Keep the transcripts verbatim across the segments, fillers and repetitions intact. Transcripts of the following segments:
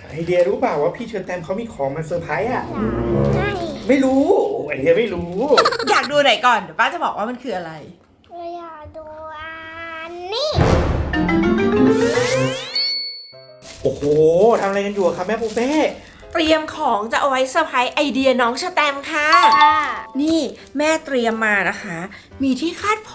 ไอเดียรู้เปล่าว่าพี่เชอร์แตมเขามีของมาเซอร์ไพรส์อ่ะใช่ไม่รู้ไอเดียไม่รู้อยากดูไหนก่อนเดี๋ยวป้าจะบอกว่ามันคืออะไรเราอยากดูอันนี้โอ้โหทำอะไรกันอยู่อะครับแม่ปูเป้เตรียมของจะเอาไว้เซอร์ไพรส์ไอเดียน้องชะแตมค่ะค่ะนี่แม่เตรียมมานะคะ มีที่คาดผม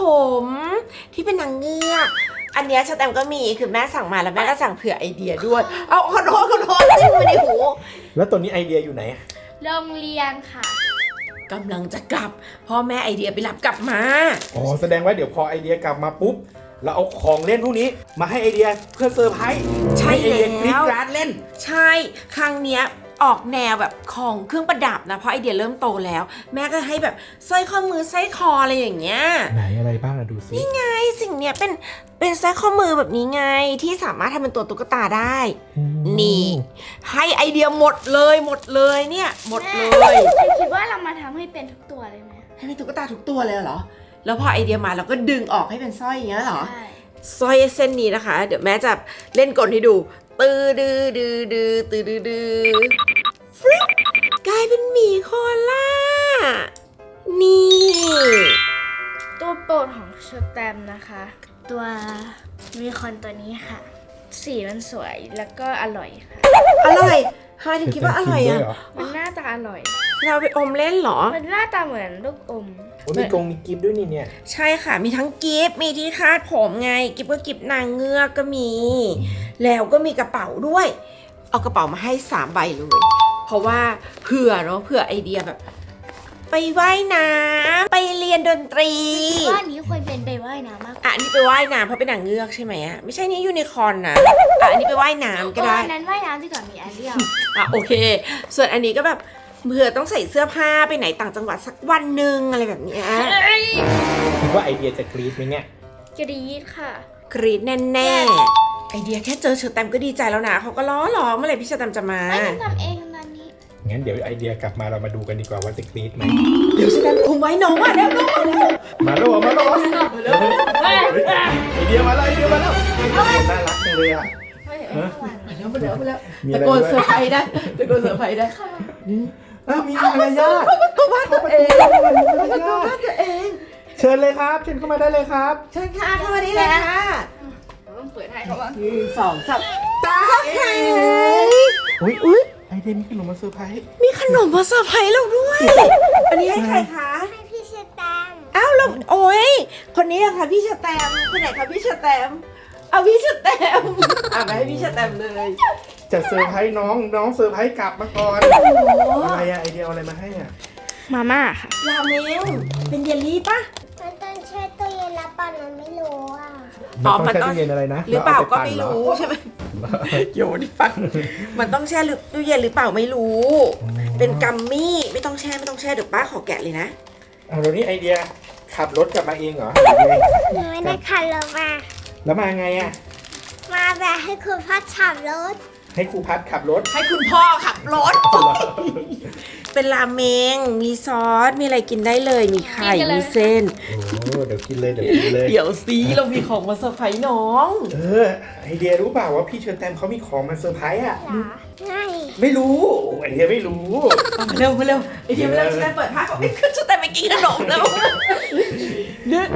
ที่เป็นนางเงือก อันเนี้ยชะแตมก็มีคือแม่สั่งมาแล้วแม่ก็สั่งเผื่อไอเดียด้วย เอาขอโทษขอโทษจิ้มไปในหูแล้วตัวนี้ไอเดียอยู่ไหนโรงเรียนค่ะกำลังจะกลับพ่อแม่ไอเดียไปรับกลับมาอ๋อแสดงว่าเดี๋ยวพอไอเดียกลับมาปุ๊บเราเอาของเล่นพวกนี้มาให้ไอเดียเพื่อเซอร์ไพรส์ใช่ห้ไอเดียกรี๊ดแล้วกราดเล่นใช่ครั้งเนี้ยออกแนวแบบของเครื่องประดับนะเพราะไอเดียเริ่มโตแล้ว แม่ก็ให้แบบสร้อยข้อมือสร้อยคออะไรอย่างเงี้ยไหนอะไรบ้างอะดูสิไอสิ่งเนี้ยเป็นเป็นสร้อยข้อมือแบบนี้ไงที่สามารถทำเป็นตัวตุ๊กตาได้ นี่ ให้ไอเดียหมดเลยหมดเลยเนี่ยหมดเลยคิดว่าเรามาทำให้เป็นทุกตัวเลยไหมให้เป็นตุ๊กตาทุกตัวเลยเหรอแล้วพอไอเดียมาเราก็ดึงออกให้เป็นสร้อยอย่างเงี้ยเหรอใช่สร้อยเส้นนี้นะคะ เดี๋ยวแม่จะเล่นกลให้ดูตือดือดือดือตือดือดือฟริ๊กกลายเป็นหมีโคอาล่านี่ตัวโปรดของเชอร์แตมนะคะ ตัวมีคอนตัวนี้ค่ะ สีมันสวยแล้วก็อร่อยค่ะอร่อยทำไมถึงคิดว่าอร่อยอ่ะมันหน้าตาอร่อยเราไปอมเล่นเหรอมันหน้าตาเหมือนลูกอมโอ้ยมีกรงมีกิฟต์ด้วยนี่เนี่ยใช่ค่ะมีทั้งกิฟต์มีที่คาดผมไงกิฟต์ก็กิฟต์นางเงือกก็มี แล้วก็มีกระเป๋าด้วย เอากระเป๋ามาให้สามใบเลย เพราะว่าเผื่อเนาะเผื่อไอเดียแบบ ไปว่ายน้ำไปเรียนดนตรีว่าอันนี้ควรเป็นไปว่ายน้ำมากกว่าอ่ะอันนี้ไปว่ายน้ำเพราะเป็นนางเงือกใช่ไหมอ่ะไม่ใช่นี่ยูนิคอร์นนะอ่ะอันนี้ไปว่ายน้ำก็ได้อันนั้นว่ายน้ำดีกว่ามีแอเรียลอ่ะโอเค ส่วนอันนี้ก็แบบเผื่อต้องใส่เสื้อผ้าไปไหนต่างจังหวัดสักวันหนึ่งอะไรแบบเนี้ยคิดว่าไอเดียจะกรี๊ดไหมเนี่ยกรี๊ดค่ะกรี๊ดแน่ๆไอเดียแค่เจอเชอร์แตมก็ดีใจแล้วนะเขาก็ล้อหลอเมื่อไหร่พี่เชอร์แตมจะมาไม่ต้องทำเองตอนนี้งั้นเดี๋ยวไอเดียกลับมาเรามาดูกันดีกว่าว่าจะกรี๊ดไหมเดี๋ยวเชอร์แตมคุมไว้น้องอ่ะเดี๋ยวน้องมาเร็วมาแล้วมาแล้วไอเดียมาแล้วไอเดียมาแล้วน่ารักจังเลยอ่ะไม่เห็นฮะข้างหลังมาแล้วมาแล้วมาแล้วมีตะอะไรโกนด้วยเซอร์ไพรส์ได้ตะโกนเซอร์ไพรส์ได้อ้าวมีมารยาทตัวบ้านตัวเองเข้าประตูตัวบ้านตัวเองเชิญเลยครับเชิญเข้ามาได้เลยครับเชิญค่ะเข้ามานี่เลยค่ะต้องเปิดให้เขาว่าหนึ่งสองสามตาเฮ้ยอุ้ยอุ้ยไอเดียมีขนมมาเซอร์ไพรส์มีขนมมาเซอร์ไพรส์เราด้วย อันนี้ให้ใครคะให้พี่เชอร์แตมอ้าวเราโอ้ยคนนี้อะค่ะพี่เชอร์แตมคนไหนคะพี่เชอร์แตมเอาพี่เชอร์แตมอ่ะไปให้พี่เชอร์แตมเลยจะเซอร์ไพรส์น้องน้องเซอร์ไพรส์กลับมาก่อนอะไรอะไอเดียเอาอะไรมาให้อ่ะมาม่าค่ะราเมงเป็นเยลลี่ปะมันต้องแช่ตู้เย็นแล้วปั่นมันไม่รู้อ่ะอ๋อมัมันนต้ต้ออง งแช่ตู้เย็นอะไรนะหรือเปล่าก็ปั่นไม่เหอรู้ใช่ไหมโยนฟังมันต้องแช่หรือตู้เย็นหรือเปล่าไม่รู้ เป็นกัมมี่ไม่ต้องแช่ไม่ต้องแช่เดี๋ยวป้าขอแกะเลยนะเอาแล้วนี่ไอเดียขับรถกลับมาเองเหรอหรือไงหนูไม่ได้ขับรถมาแล้วมาไงอ่ะมาแบบให้คุณพ่อขับรถให้ครูพัดขับรถให้คุณพ่อขับรถ เป็นราเมงมีซอสมีอะไรกินได้เลย มีไข่มีเส้นโอ้เดี๋ยวกินเลยเดี๋ยวกินเลยเดี๋ยวซีเรามีของมาเซอร์ไพรส์น้องเออไอเดียรู้เปล่าว่าพี่เชอร์แตมเขามีของมาเซอร์ไพรส์อ่ะเหรอไม่ไม่รู้ไอเดียไม่รู้เอามาเร็วมาเร็วไอเดียมาเร็วฉันได้เปิดผ้าก่อนไม่ขึ้นฉันแต่ไปกินขนมแล้วนึก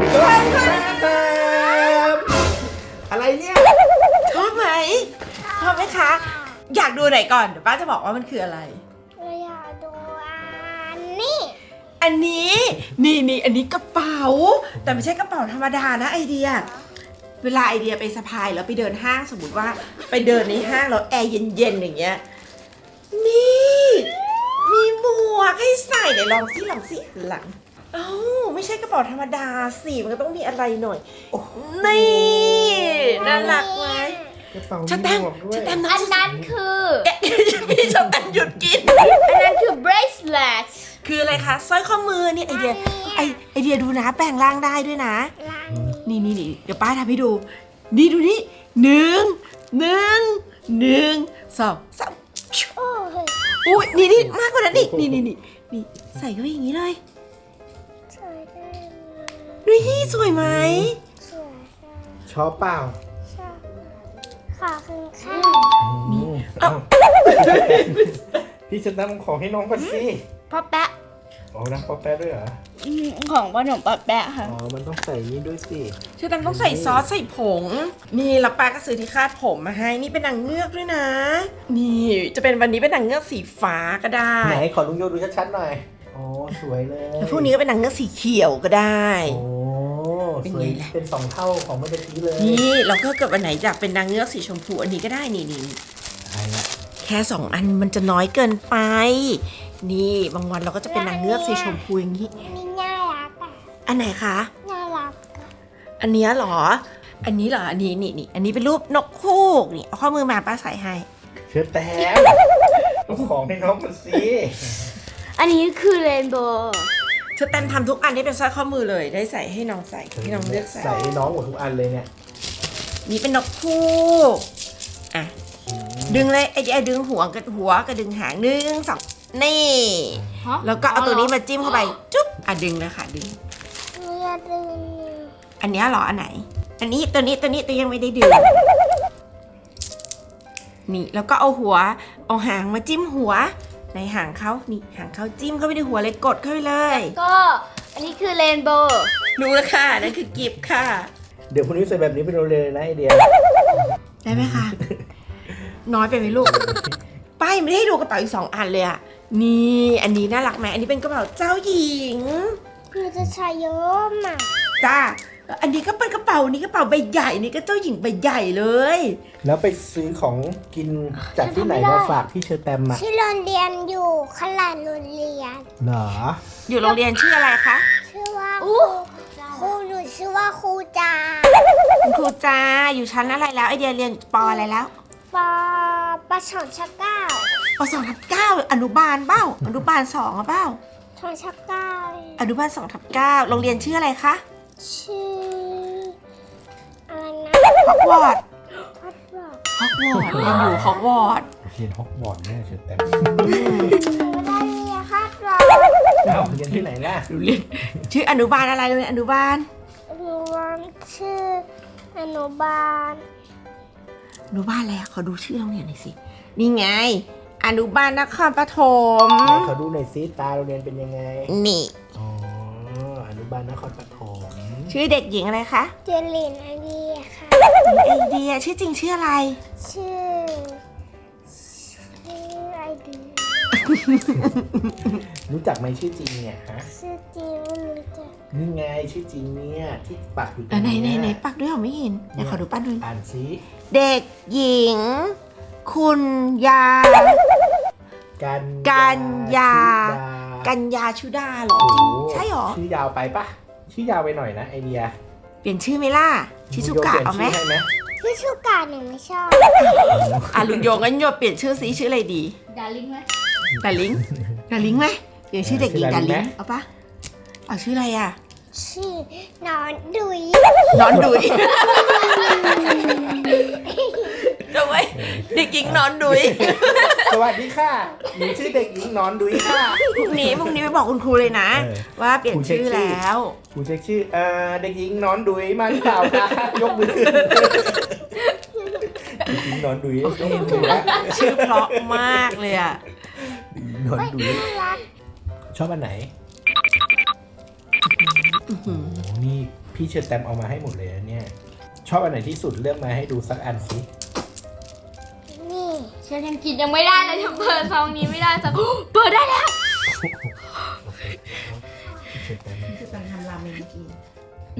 อะไรเนี่ยชอบไหมชอบไหมคะ อยากดูไหนก่อนเดี๋ยวป้าจะบอกว่ามันคืออะไรเราอยากดูอันนี้อันนี้นี่นี่อันนี้กระเป๋า แต่ไม่ใช่กระเป๋าธรรมดานะไอเดีย เวลาไอเดียไปสะพายแล้วไปเดินห้างสมมติว่าไปเดินในห้างแล้วแอร์เย็นๆอย่างเงี้ยนี่มีหมวกให้ใส่เดี๋ยวลองสิลองสิหันหลังเอ้าไม่ใช่กระเป๋าธรรมดาสิมันก็ต้องมีอะไรหน่อยนี่น่ารักไหมกระเป๋าชะแตมหมวกด้วยชะแตมอันนั้นคือแกะพี่ชะแตมหยุดกินอันนั้นคือ bracelet คืออะไรคะสร้อยข้อมือนี่ไอเดียไอไอเดียดูนะแปลงร่างได้ด้วยนะร้านนี่นี่นี่เดี๋ยวป้าทำให้ดู นี่ดูนี่หนึ่งหนึ่งหนึ่งสองสามโอ้ยอุ้ยนี่นี่มากกว่านั้นอีกนี่นี่นี่นี่ใส่เข้าไปอย่างนี้เลยสวยจังเลยนี่สวยไหมสวยจังชอบเปล่าชอบขอบคุณค่ะนี่เอ้าพี่จะตั้งของให้น้องก่อนสิพ่อแปะอ๋อนะป๊อปแป๊ะด้วยเหรออืมของขนมพ่อแปะค่ะอ๋อมันต้องใส่นี่ด้วยสิเชอแตมต้องใส่ซอสใส่ผง นี่แล้วป้าก็ซื้อที่คาดผมมาให้ นี่เป็นนางเงือกด้วยนะ นี่จะเป็นวันนี้เป็นนางเงือกสีฟ้าก็ได้ไหนขอลุงโยดูชัดๆหน่อยอ๋อสวยเลยแล้วพวกนี้ก็เป็นนางเงือกสีเขียวก็ได้โอ้เป็นสไงวยล่ะเป็นสองเท่าของเมื่อกี้เลยนี่แล้วก็เกิดวันไหนอยากเป็นนางเงือกสีชมพูอันนี้ก็ได้นี่นี่ใช่ละแค่สองอันมันจะน้อยเกินไป นี่บางวันเราก็จะเป็นนางเงือกสีชมพูอย่างนี้นี่น่ารักอ่ะอันไหนคะน่ารักอะอันเนี้ยเหรอ อันนี้เหรอ อันนี้นี่นี่อันนี้เป็นรูปนกฮูกนี่เอาข้อมือมาป้าใส่ให้เชิญแต้มเอาของให้น้องมันสิอันนี้คือเรนโบว์เชอแตมทำทุกอันที่เป็นสร้อยข้อมือเลย ได้ใส่ให้น้องใส่ให้น้องเลือกใส่ใส่ให้น้องหมดทุกอันเลยเนี่ยนี่เป็นนกฮูกอ่ะ ดึงเลยไอ้ไอ้ดึงหัวกับหัวกับดึงหางหนึ่งสองนี่ แล้วก็เอาตัวนี้มาจิ้มเข้าไป จุ๊บ อ่ะดึงเลยค่ะดึงหนูอยากดึงอันเนี้ยเหรอ อันไหน อันนี้ตัวนี้ตัวนี้ตัวยังไม่ได้ดึง นี่แล้วก็เอาหัว เอาหางมาจิ้มหัว ในหางเขานี่หางเขาจิ้มเข้าไปในหัวเลยกดเข้าไปเลยก็อันนี้คือเรนโบว์รู้แล้วค่ะ นั่นคือกิฟต์ค่ะเดี๋ยวพรุ่งนี้ใส่แบบนี้ไปโรงเรียนเลยนะไอเดียได้ไหมคะ น้อยไปไหมลูก ป้ายังไม่ได้ให้ดูกระเป๋าอีกสองอันเลยอะนี่ อันนี้น่ารักไหมอันนี้เป็นกระเป๋าเจ้าหญิงหนูจะใช้เยอะมากจ้า อันนี้ก็เป็นกระเป๋านี้กระเป๋าใบใหญ่นี่ก็เจ้าหญิงใบใหญ่เลยแล้วไปซื้อของกินจากที่ไหนมาฝากพี่เชอแตมมาที่โรงเรียนอยู่ขลาดโรงเรียนเหรออยู่โรงเรียนชื่ออะไรคะชื่อว่าครูครูหนูชื่อว่าครูจาคุณครูจ้าอยู่ชั้นอะไรแล้วไอเดียเรียนปออะไรแล้วปอประชอนชักเก้าปสองทับเก้าอนุบาลเบ้าอนุบาลสองอะเบ้าชอนชักเก้าอนุบาลสองทับเก้าโรงเรียนชื่ออะไรคะชื่ออะไรนะฮอกวอตส์พัดบอกฮอกวอตส์เรียนอยู่ฮอกวอตส์เรียนฮอกวอตส์แน่เชอแตมไม่ได้เรียนคาดบอกเอ้าเรียนที่ไหนล่ะเรียนชื่ออนุบาลอะไรโรงเรียนอนุบาลหนูวันชื่ออนุบาลอนุบาลอะไรอะขอดูชื่อโรงเรียนหน่อยสินี่ไง อนุบาลนครปฐมไหนขอดูหน่อยซิตาโรงเรียนเป็นยังไงนี่อ๋อ อนุบาลนครปฐมชื่อเด็กหญิงอะไรคะเจลินไอเดียค่ะไอเดียชื่อจริงชื่ออะไรชื่อชื่อไอเดียรู้จักไหมชื่อจริงเนี่ยฮะชื่อจริงไม่รู้จักนี่ไงชื่อจริงเนี่ยที่ปักอยู่ตรอ่ะงไหนนี้ไหนไหนปักด้วยเหรอไม่เห็นเดี๋ยวขอดูปั้นด้วยอ่านซิเด็กหญิง คุณยากันกันยาชุดากัญญาชุดาเหรอโอ้จริงโหใช่เหรอชื่อยาวไปปะชื่อยาวไปหน่อยนะไอเดียเปลี่ยนชื่อไหมล่ะ ชิซุกะเอาไหมลุงโยเปลี่ยนชื่อให้ไหมชื่อชูกาหนูไม่ชอบอ่ะลุงโยงั้นโยเปลี่ยนชื่อสีชื่ออะไรดีดาริงไหมดาลิงดาลิงไหมเปลี่ยนชื่อเด็กหญิงชื่อดาดาลิลิงงไหมเอาปะเอาชื่ออะไรอ่ะชื่อนอนดุยนอนดุยทำไมเด็กหญิงนอนดุยสวัสดีค่ะหนูชื่อเด็กหญิงหนอนดุยค่ะพรุ่งนี้พรุ่งนี้ไปบอกคุณครูเลยนะเออว่าเปลี่ยนชื่อแล้วครูเช็คชื่อเอ่อเด็กหญิงหนอนดุยมาหรือเปล่าคะยกมือขึ้นเด็กหญิงหนอนดุยยกมือขึ้นแล้วชื่อเพราะมากเลยอ่ะหนอนดุยน่ารักชอบอันไหนโอ้โหนี่พี่เชิญแตมเอามาให้หมดเลยนะเนี่ยชอบอันไหนที่สุดเลือกมาให้ดูสักอันสินี่ฉันยังกินยังไม่ได้เลยฉันเปิดซองนี้ไม่ได้สัก เปิดได้แล้วพี่เชิญแตมคือการทำราเมงเมื่อกี้โอ้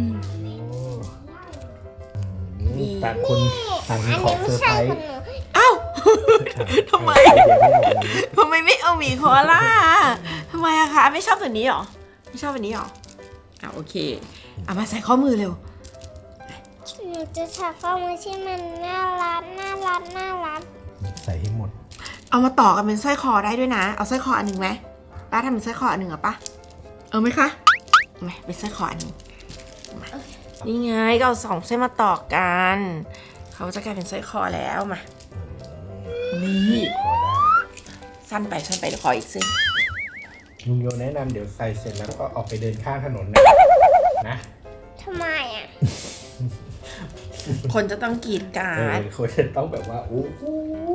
นี่ต่างคนต่างมีอันของนี้ไม่เซอร์ไพใช่รขส์นมอ้าว ทำไมเดี๋ยวไม่เอาอันนี้ทำไมไม่เอาหมีโคอาล่าทำไมอะคะ ไม่ชอบตัวนี้หรอ ไม่ชอบอันนี้หรออ่ะโอเคเอามาใส่ข้อมือเร็วหนูจะใช้ข้อมือที่มันน่ารักน่ารักน่ารักใส่ให้หมดเอามาต่อกันเป็นสร้อยคอได้ด้วยนะ เอาสร้อยคออันหนึ่งไหมป้าทำเป็นสร้อยคออันหนึ่งเหรอป้าเอาไหมคะเอาไหมเป็นสร้อยคออันหนึ่งมานี่ไงก็เอาสองเส้นมาต่อกัน เขาจะกลายเป็นสร้อยคอแล้วมา นี่พอได้สั้นไปสั้นไปเดี๋ยวขออีกเส้นลุงโยแนะนำเดี๋ยวใส่เสร็จแล้วก็ออกไปเดินข้างถนนนะนะทำไมอ่ะคนจะต้องกรีดกราเออร์ดคนจะต้องแบบว่าโอ้โห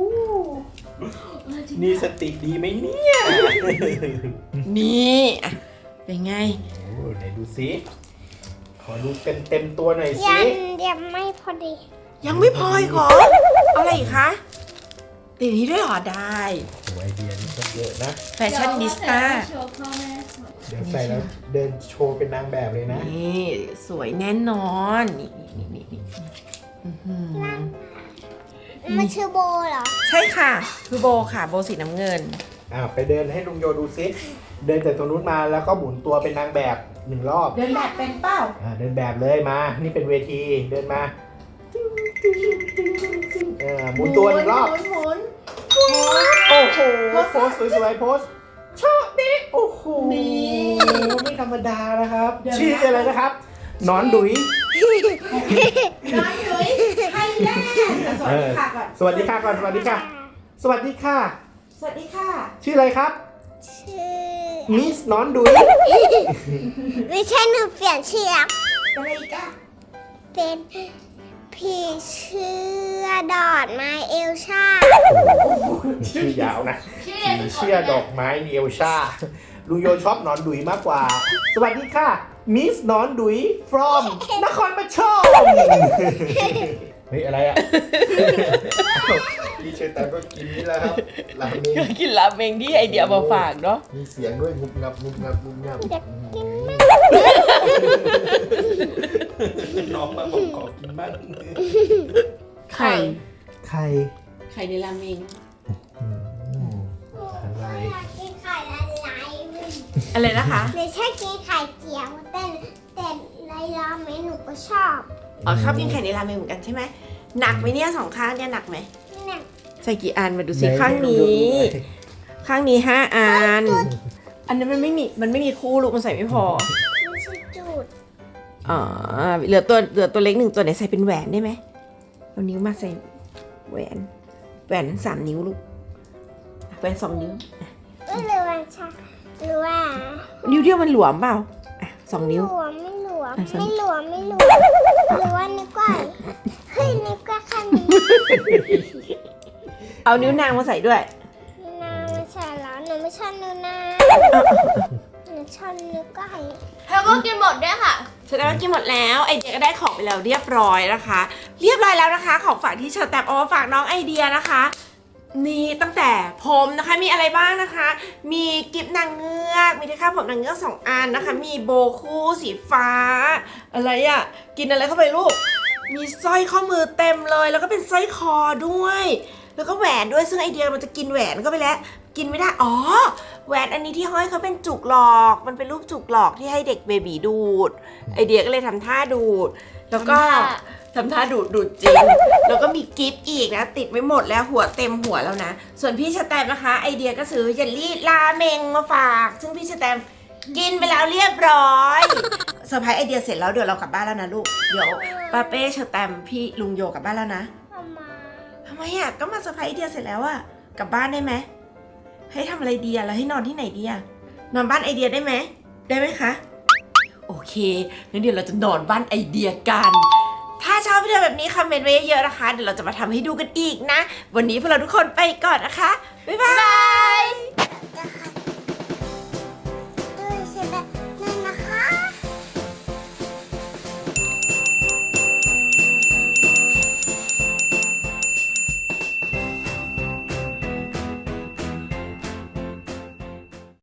นี่สติดีไหมเนี่ยนี่อ่ะเป็นไงโอ้ไหนดูสิขอดูเต็มเต็มๆตัวหน่อยสิยังยังไม่พอดียังไม่พออีกเหรอเอาอะไรอีกคะติดนี้ด้วยเหรอได้โอ้ไอเดียนี่ก็เยอะนะแฟชั่นนิสต้าโชว์พ่อแม่สวยเดี๋ยวใส่แล้วเดินโชว์เป็นนางแบบเลยนะนี่สวยแน่นอนนี่นี่นี่นี่อื้อหือมันชื่อโบเหรอใช่ค่ะ คือโบค่ะโบสีน้ำเงินอ่าไปเดินให้ลุงโยดูซิเดินจากตรงนู้นมาแล้วก็หมุนตัวเป็นนางแบบหนึ่งรอบเดินแบบเป็นเป้าอ่าเดินแบบเลยมา นี่เป็นเวทีเดินมาเออหมุนตัวหนึ่งรอบหมุนหมุนโอ้โหโพสสวยๆโพสชอบดิโอ้โหนี่ไม่ธรรมดานะครับ ชื่ออะไรนะครับหนอนดุยน้อยยุ้ยไทยแลนด์สวัสดีค่ะก่อนสวัสดีค่ะก่อนสวัสดีค่ะ สวัสดีค่ะสวัสดีค่ะชื่ออะไรครับชื่อมิสหนอนดุยไม่ใช่หนูเปลี่ยนชื่อแล้วอะไรอีกอะเป็นผีเชื่อดอดไม้เอลชาชื่อยาวนะชื่อผีเรียนเชื่อดอกไม้เนียวชาลุงโยชอบหนอนดุยมากกว่า สวัสดีค่ะ มิสหนอนดุย from นครปฐมเฮ้ยอะไรอ่ะ พี่เชยร์แตมก็กินนี่แหละครับราเมงก็กินราเมงที่ไอเดียมาฝากเนาะมีเสียงด้วยงุบงับงุบงับงุบงับอยากกินมากน้องมาบอกขอกินบ้างไข่ไข่ไข่ในราเมงอืมอะไรอยากกินไข่ละลายเลยอะไรนะคะหนูชอบกินไข่เจียวแต่แต่ในราเมงหนูก็ชอบอ๋อชอบกินไข่ในราเมงเหมือนกันใช่ไหมหนักไหมเนี่ยสองข้างเนี่ยหนักไหมเนี่ยใส่กี่อันมาดูสิไหนข้างนี้ดูดูข้างนี้ห้าอัน อันนั้นมันไม่มีมันไม่มีคู่ลูกมันใส่ไม่พอไม่ใช่จูดอ๋อเหลือตัวเหลือตัวเล็กหนึ่งตัวไหนใส่เป็นแหวนได้ไหมเอานิ้วมาใส่แหวนแหวนสามนิ้วลูกแหวนสองนิ้วไม่รู้ว่าชาหรือว่านิ้วเดียวมันหลวมเปล่าอ่ะสองนิ้วหลวมไม่หลวมอ่ะสองไม่หลวมไม่หลวมหรือว่านึกว่าเฮ้ยนึกว่าแค่นี้เอานิ้วนางมาใส่ด้วยนาไม่ใช่แล้วหนูไม่ชอบนูนาหนูชอบนึกว่าเธอก็กินหมดด้วยค่ะแสดงว่ากินหมดแล้วไอเดียก็ได้ของไปแล้วเรียบร้อยนะคะ เรียบร้อยแล้วนะคะ ของฝากที่เชอร์แตมเอามาฝากน้องไอเดียนะคะนี่ตั้งแต่ผมนะคะมีอะไรบ้างนะคะ มีกิฟนางเงือกมีที่คาดผมนางเงือกสองอันนะคะ มีโบคู่สีฟ้า อะไรอะ่ะกินอะไรเข้าไปลูก มีสร้อยข้อมือเต็มเลย แล้วก็เป็นสร้อยคอด้วย แล้วก็แหวนด้วยซึ่งไอเดียมันจะกินแหวนเข้าไปแล้ว กินไม่ได้อ๋อแหวนอันนี้ที่ห้อยเขาเป็นจุกหลอก มันเป็นรูปจุกหลอกที่ให้เด็กเบบีดูด ไอเดียก็เลยทำท่าดูด แล้วก็ทำท่าดูดดูดจริง แล้วก็มีกิฟต์อีกนะ ติดไว้หมดแล้วหัวเต็มหัวแล้วนะ ส่วนพี่สแตมนะคะ ไอเดียก็ซื้อเยลลี่ราเมงมาฝาก ซึ่งพี่สแตมกินไปแล้วเรียบร้อยเซอร์ไพรส์ไอเดียเสร็จแล้วเดี๋ยวเรากลับบ้านแล้วนะลูกเดี๋ยวป้าเป้เชอร์แตมพี่ลุงโยกลับบ้านแล้วนะเอามาทำไมอ่ะก็มาเซอร์ไพรส์ไอเดียเสร็จแล้วอ่ะกลับบ้านได้ไหมให้ทำอะไรดีอ่ะแล้วให้นอนที่ไหนดีอ่ะนอนบ้านไอเดียได้ไหมได้ไหมคะโอเคงั้นเดี๋ยวเราจะนอนบ้านไอเดียกัน ถ้าชอบวิดีโอแบบนี้คอมเมนต์ไว้เยอะๆนะคะเดี๋ยวเราจะมาทำให้ดูกันอีกนะ วันนี้พวกเราทุกคนไปก่อนนะคะบ๊ายบาย